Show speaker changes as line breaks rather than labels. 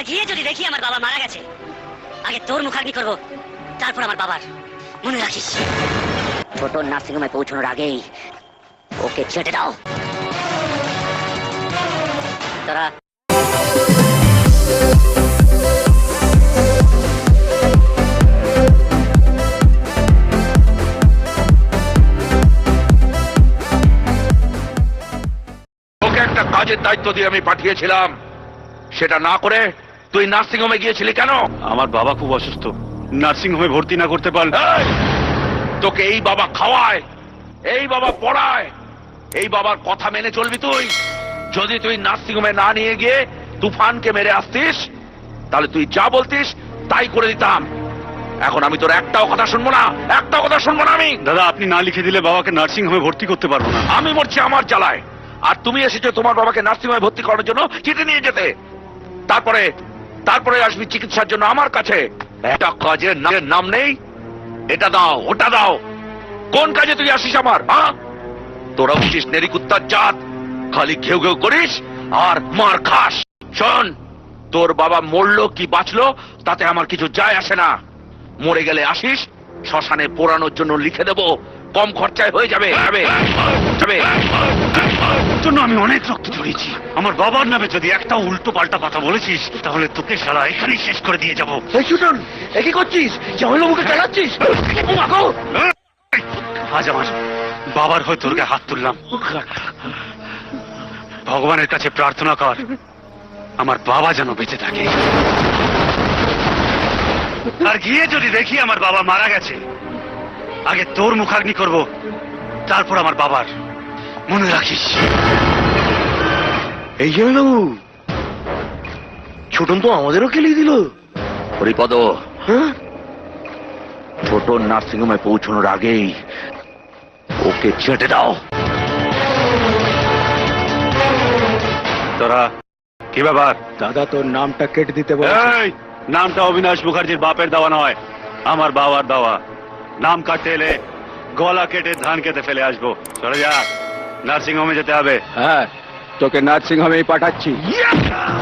গিয়ে যদি দেখি আমার বাবা মারা গেছে, আগে তোর মুখাগ্নি করবো, তারপর আমার বাবার। মনে রাখিস, ছোট নার্সিংহোমে পৌঁছানোর আগেই ওকে ছেটে দাও। তারা
একটা কাজের দায়িত্ব দিয়ে আমি পাঠিয়েছিলাম, সেটা না করে তুই নার্সিং হোমে গিয়েছিলি কেন?
আমার বাবা খুব অসুস্থ, নার্সিং হোমে ভর্তি না করতে পারলে।
তোকে এই বাবা খাওয়ায়, এই বাবা পড়ায়, এই বাবার কথা মেনে চলবি তুই? যদি তুই নার্সিং হোমে না নিয়ে গিয়ে তুফানকে মেরে আসতিস, তাহলে তুই যা বলতিস তাই করে দিতাম। এখন আমি তোর একটাও কথা শুনবো না, একটাও কথা শুনবো না আমি।
দাদা, আপনি না লিখে দিলে বাবাকে নার্সিং হোমে ভর্তি করতে পারবো না।
আমি মরছি আমার জ্বালায়, আর তুমি এসেছো তোমার বাবাকে নার্সিং হোমে ভর্তি করার জন্য চিঠি নিয়ে যেতে। তারপরে আসবি চিকিৎসার জন্য আমার কাছে। একটা কাজের নাম নেই, এটা দাও ওটা দাও। কোন কাজে তুই আসিস আমার? তোরা উঠিস নেরিকুত্তার জাত, খালি ঘেউ ঘেউ করিস আর মার খাস। শোন, তোর বাবা মরলো কি বাঁচলো তাতে আমার কিছু যায় আসে না। মরে গেলে আসিস, শ্মশানে পোড়ানোর জন্য লিখে দেবো, কম খরচায় হয়ে যাবে।
জন্য আমি অনেক রক্ত ঝরিয়েছি। আমার বাবার নামে যদি একটা উল্টো পাল্টা কথা বলেছিস, তাহলে তোকে সারা এখানেই শেষ করে দিয়ে যাবো।
কি করছিস? জামাইলো মুখে চালাচ্ছিস?
আজ আমার বাবার হয়ে তোর গায়ে হাত তুললাম। ভগবানের কাছে প্রার্থনা কর আমার বাবা যেন বেঁচে থাকে। আর গিয়ে যদি দেখি আমার বাবা মারা গেছে, আগে তোর মুখাগ্নি করব, তারপর আমার বাবার। মনে রাখিস।
এই জন্য ছোটন তো আমাদেরও খেলিয়ে দিল। হরিপদ, ছোট নার্সিং হোমে পৌঁছানোর আগেই ওকে ছেটে দাও।
তোরা কি ব্যাপার?
দাদা, তোর নামটা কেটে দিতে বল।
এই নামটা অবিনাশ মুখার্জির বাপের দেওয়া নয়, আমার বাবার দেওয়া। নাম কাটতে এলে গলা কেটে ধান কেটে ফেলে আসবো। চলে যা, নার্সিং হোমে যেতে হবে।
হ্যাঁ, তোকে নার্সিং হোমেই পাঠাচ্ছি।